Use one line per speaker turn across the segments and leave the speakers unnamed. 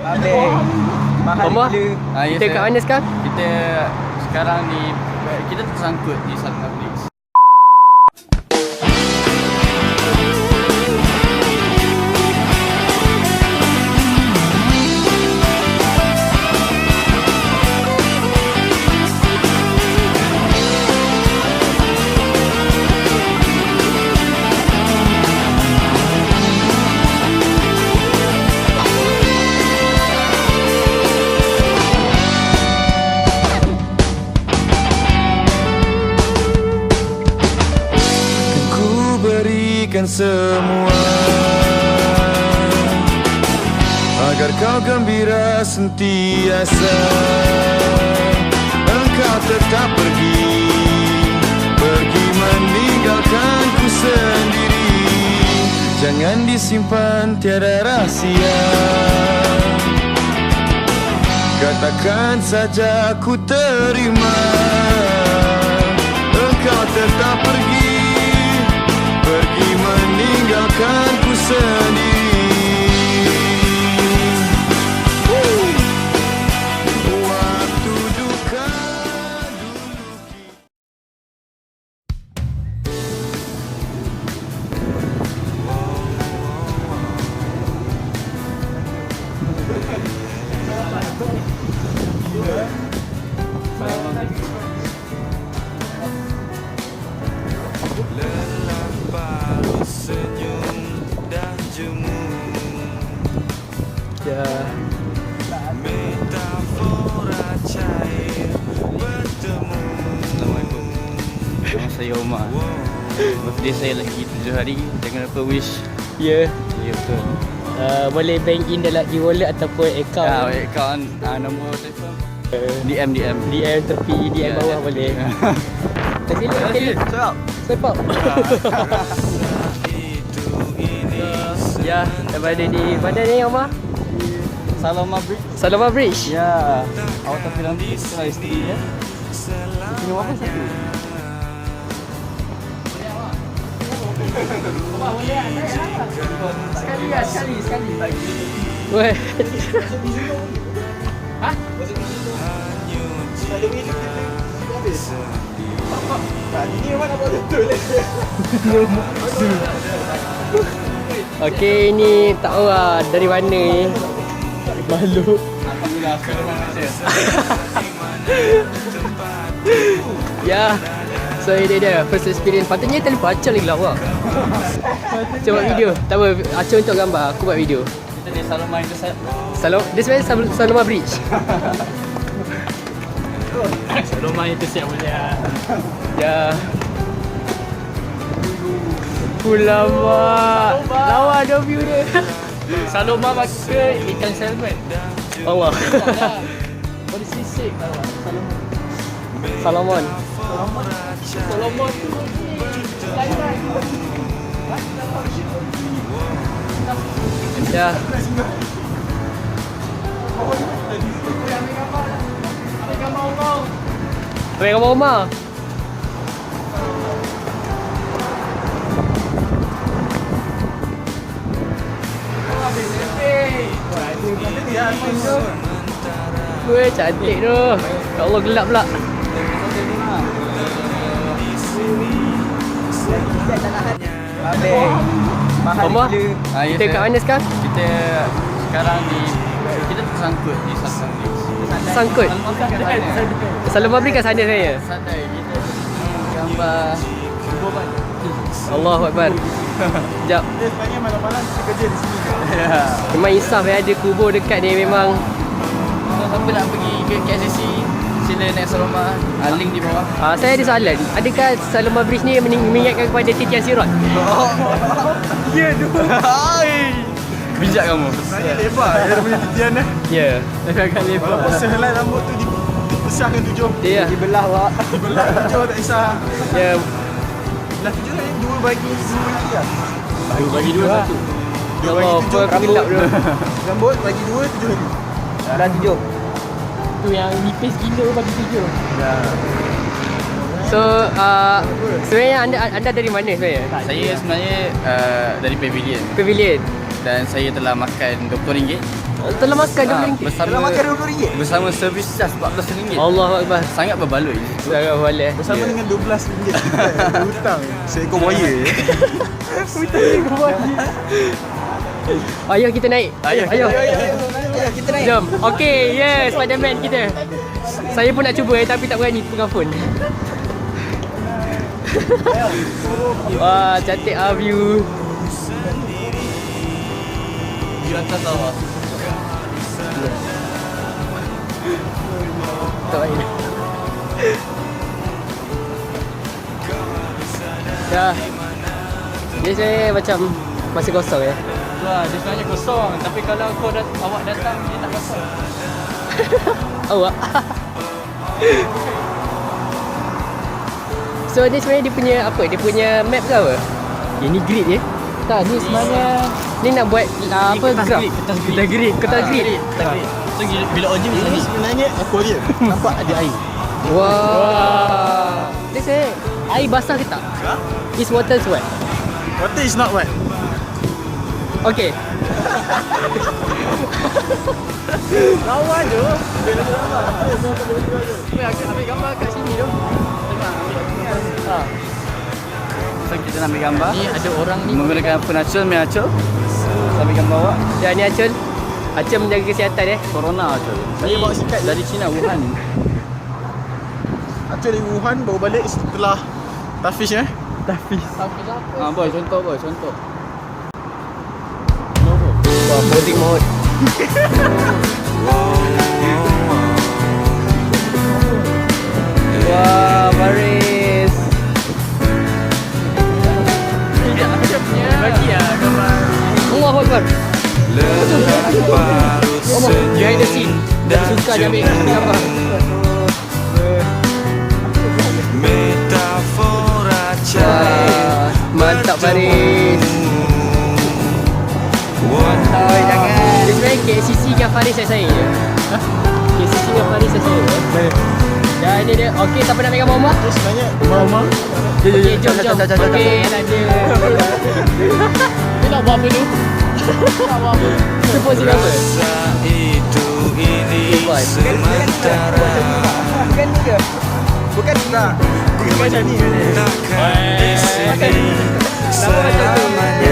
Abang, mahal
Omar,
gila.
kita kat mana sekarang?
Kita sekarang ni kita tersangkut di Salman Bridge.
Semua agar kau gembira sentiasa. Engkau tetap pergi meninggalkanku sendiri. Jangan disimpan, tiada rahsia. Katakan saja ku terima. Engkau tetap pergi meninggalkanku sendiri. Waktu duka dulu.
Nama saya Omar. Birthday saya lagi 7 hari. Jangan lupa wish.
Ya,
Ya betul.
boleh bank in dalam e-wallet ataupun account.
Akaun nombor telefon. DM.
DM tepi, DM bawah boleh. Sekali. Swipe up. Ya, daripada di mana ni Omar?
Salman Bridge.
Salama Bridge.
Ya. Awak tak bilang setelah isteri ya.
Minum apa satu? Sekali. Weh. Hah? Okey, ni tak tahu lah dari mana ni. Malu.
Alhamdulillah sekarang Malaysia.
Ya. So ini dia first experience. Patutnya terlupa Acah lagi lawa. Cuba video. Tak apa, Acah untuk gambar, aku buat video.
Kita di Salman Intercept.
Dia sebenarnya Salama Bridge.
Salman Intercept boleh lah.
Ya. Ulama. Lawa ada view dia.
Salman makan ikan salmon.
Allah.
Boleh sisik
Salomon.
Salmon tu
Ya. Ambil gambar Omar. Weh, cantik tu. Ya Allah, gelap pula.
Abang, mahal
Omar,
gila.
kita kat mana sekarang?
Kita sekarang ni kita tersangkut di Salman Bridge.
Sangkut. Salama Bridge kat sana saya.
Santai kita gambar kuburan.
Allahu Akbar. Sekejap.
Dia sebenarnya malam-malam kita kerja di sini.
Ya.
Memang insaf ada kubur dekat ni memang.
So, siapa nak pergi ke KLCC sila naik Salman. Link di bawah.
Saya ada soalan. Adakah Salama Bridge ni mengingatkan kepada titian Sirat?
Ya tu.
Bijak kamu.
Sebenarnya lebar dia punya titian eh.
Ya.
Agak lebar.
Walaupun sehelai rambut tu dibesarkan 7.
Ya.
Dibelah awak. Dibelah 7 tak kisah.
Ya.
Belah 7 ni 2 bagi 2 lagi lah.
Bagi dua satu.
Ya Allah, apa gelap tu.
Rambut bagi 2 7 lagi. Dah 7.
Tu yang nipis gila bagi 7. Ya. So, sebenarnya anda dari mana sebenarnya?
Saya sebenarnya dari Pavilion
Pavilion.
dan saya telah makan RM20
Telah makan RM20.
Bersama
Dalam makan RM20.
bersama servis charge RM14.
Allahu Akbar.
Sangat berbaloi.
Sangat boleh.
Bersama dengan RM12. Hutang seekor buaya.
Ayo kita naik. Ayo.
Kita naik.
Jom. Okey, yes, Spiderman kita. Saya pun nak cuba tapi tak berani pegang phone. Wah, cantik view.
Di atas bawah.
Tak baik. Dah. Dia saya macam masih kosong ya.
Wah, dia sebenarnya kosong. Tapi kalau awak datang, dia tak kosong.
Awak. So ni sebenarnya dia punya apa? Dia punya map ke apa? Ini grid je. Tak, ni sebenarnya ni nak buat apa
kertas
graph?
grid,
Kertas grid.
So bila OG macam
Ini
ni.
sebenarnya aquarium. Nampak ada air.
Wah. Dia saya air basah ke tak? Is water wet?
Water is not wet.
Okay. Lawan tu. Ambil gambar kat sini tu.
So kita nak ambil gambar.
Ni ada orang ni.
Menggunakan phone Acul, main Acul. Ambil gambar awak.
Dan ni Acul. Acul menjaga kesihatan
Corona Acul.
Saya bawa sikat
Dari China, Wuhan.
Acul dari Wuhan baru balik setelah Tafish
Boy, contoh boy, contoh.
Wah, posing mode. Wah, baris. Bagi lah gambar. Allahu Akbar. Allah, behind the scene. Suka dia ambil gambar.
Metafora
Wah, mantap baris. Oh, jangan. Dia sebenarnya KCC dengan Faris saya je. KCC dengan Faris saya Dan ini dia. Okey, siapa nak ambil gambar rumah?
Sebenarnya rumah-rumah.
Okey, jom. Okey, dah ada. Dia nak buat apa tu? Nak buat apa? Kita posing apa?
itu ini sementara
Bukan ni ke? Bukan tak. Bukan macam ni.
takkan di sini selamanya.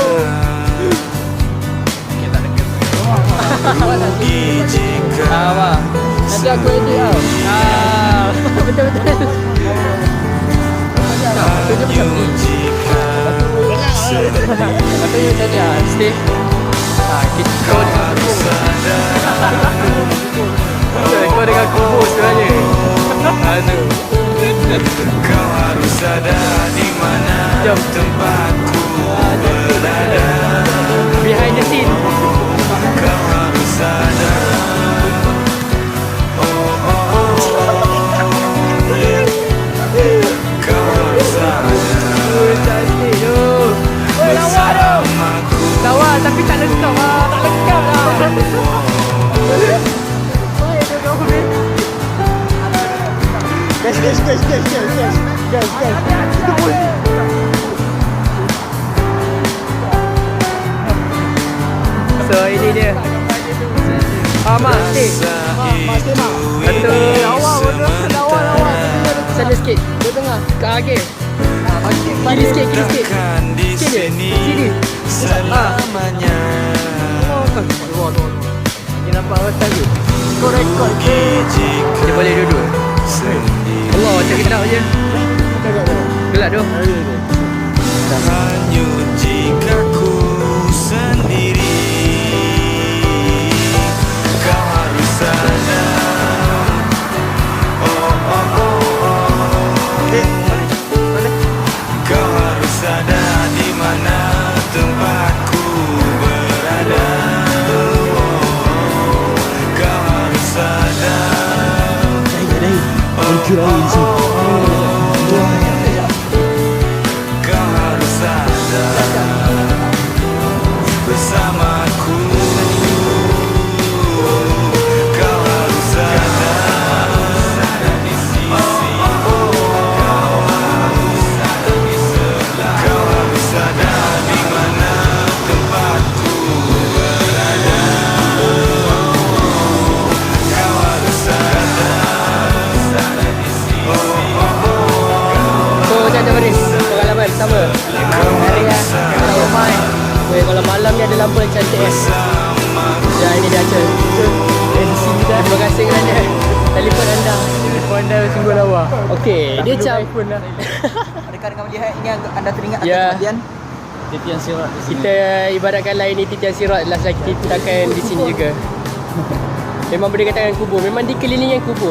Rugi jika
Wah. Nanti aku edit tau. Betul.
hanya jika
Katanya macam ni lah. Stay. Kita kau dengan kau dengan kubur sebenarnya. Aduh.
kau harus ada di mana
Jom.
tempatku berada.
Behind the scene.
Kau harus ada. Kau harus ada
Cantik tu.
bersamaku.
Lawa tapi tak lengkap lah. Tak lengkap lah.
Guys.
So ini dia. Mak, stay. Satu. Sana sikit. Dia tengah. Kat akhir. Kiri sikit.
Takkan di
Sikit je.
sini
Sini.
selamanya.
Dia nampak awak tadi. Kau rekod ke?
Rugi jika
Dia boleh duduk.
sendiri.
Allah, macam gelap je. Gelap tu.
Hanyut jika ku sendiri. Kau harus sadar. Kau harus sadar di mana tempatku berada. Kau harus sadar. Kau harus sadar bersamaku. Kau harus sadar di sisi. Kau harus sadar di mana tempatku berada.
Okey, dia macam
Adakah dengan melihat ini anda teringat akan
Ya.
kematian?
Titian sirat di sini.
kita ibaratkan lain ni titian sirat last lagi kita akan di sini juga. Memang berdekatan dengan kubur. Memang dikelilingi dengan kubur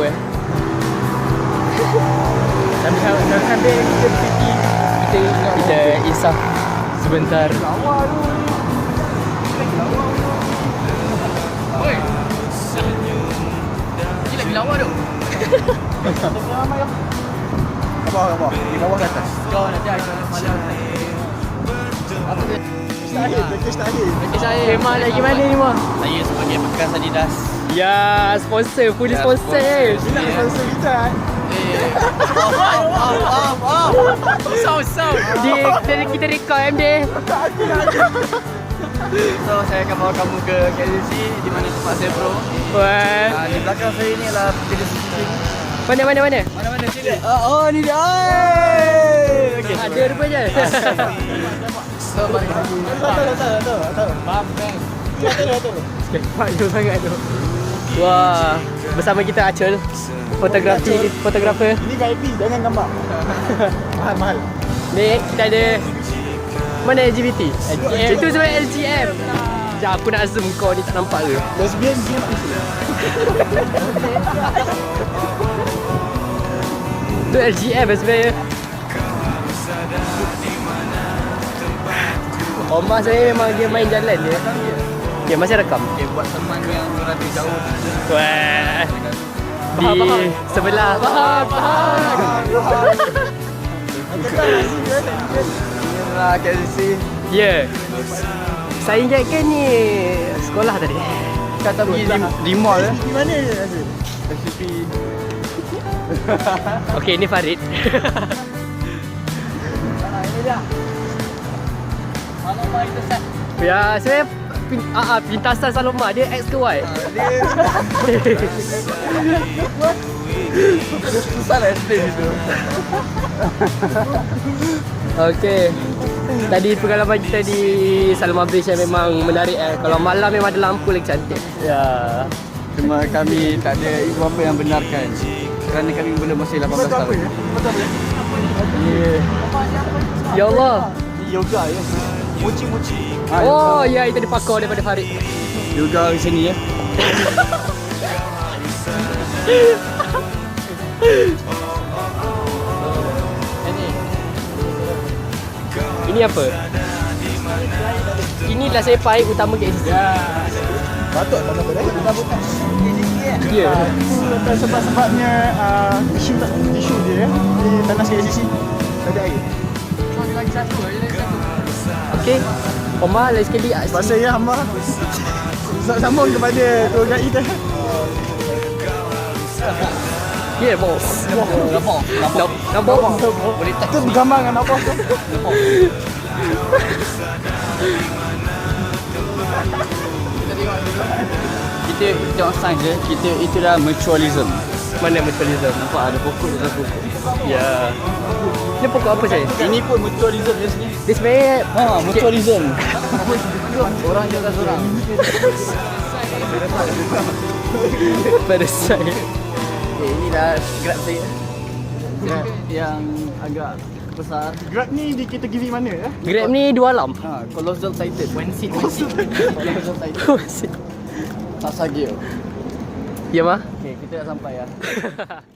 Sambil kita pergi
Kita insaf sebentar. Oi. Ini lagi lawa tu.
Apa? Di bawah ke atas?
Kau nanti akan malam. Apa dia? Okey saya memang lagi mana ni mah?
Saya sebagai bekas Adidas.
Ya, sponsor, full
Ya,
sponsor.
sponsor.
Sponsor kita.
Sound. Kita rekod MD.
So saya akan bawa kamu ke KLC di mana tempat saya pro.
Wah.
Di belakang saya ni adalah jenis CCTV.
Mana?
Mana sini?
Oh, ni dia. Okey. Ada rupanya.
So balik lagi.
Tahu.
Bang.
Panjang sangat tu. Wah, bersama kita Acul, fotografer.
Ini VIP, jangan gambar. Mahal.
Ni kita ada mana LGBT? Itu sebenarnya LGM. Sekejap aku nak zoom kau ni tak nampak ke?
Lesbian dia
Tu LGM sebenarnya. Omah saya memang dia main jalan je. Ya, masih rekam.
Okay, buat teman yang berada jauh.
Wah. Di sebelah. Faham.
Inilah KLC.
Ya. Saya ingatkan ni sekolah tadi.
Kata pergi di mall
Di mana ni?
SCP.
Okey, ni Farid. Ya, saya pintasan Saloma dia X ke Y?
Susah lah explain itu.
Okey. Tadi pengalaman kita di Saloma Bridge yang memang menarik Kalau malam memang ada lampu lagi cantik.
Ya. Cuma kami tak ada ibu bapa yang benarkan. Kerana kami belum masih 18 tahun.
Ya Allah.
Yoga ya. Mochi.
Oh, ya itu dipakar daripada Farid.
Yoga di sini ya.
Ini apa? Inilah saya pahit utama KLC.
Patut tak apa dah.
Ya.
Sebab-sebabnya tisu dia di tanah KLCC. Tak ada air.
Okey. Omar lagi sekali.
Sebab saya hamba sambung kepada tour guide kita.
Ya, bos. Nampak?
Boleh tak?
Kita bergambar dengan apa tu?
Kita tengok sign je. Kita itu dah mutualism.
Mana mutualism?
Nampak ada pokok di atas pokok.
Ya. Ini pokok apa saya?
Ini pun mutualism je sini.
Dia sebenarnya
Mutualism. Orang jaga orang.
pada saya.
Ini dah grab saya. Grab yang agak besar.
Grab ni di kategori mana ya?
Grab ni dua alam.
Colossal Titan. One seat. Colossal Titan. Sasa gear.
Ya mah?
Okay, kita dah sampai ya.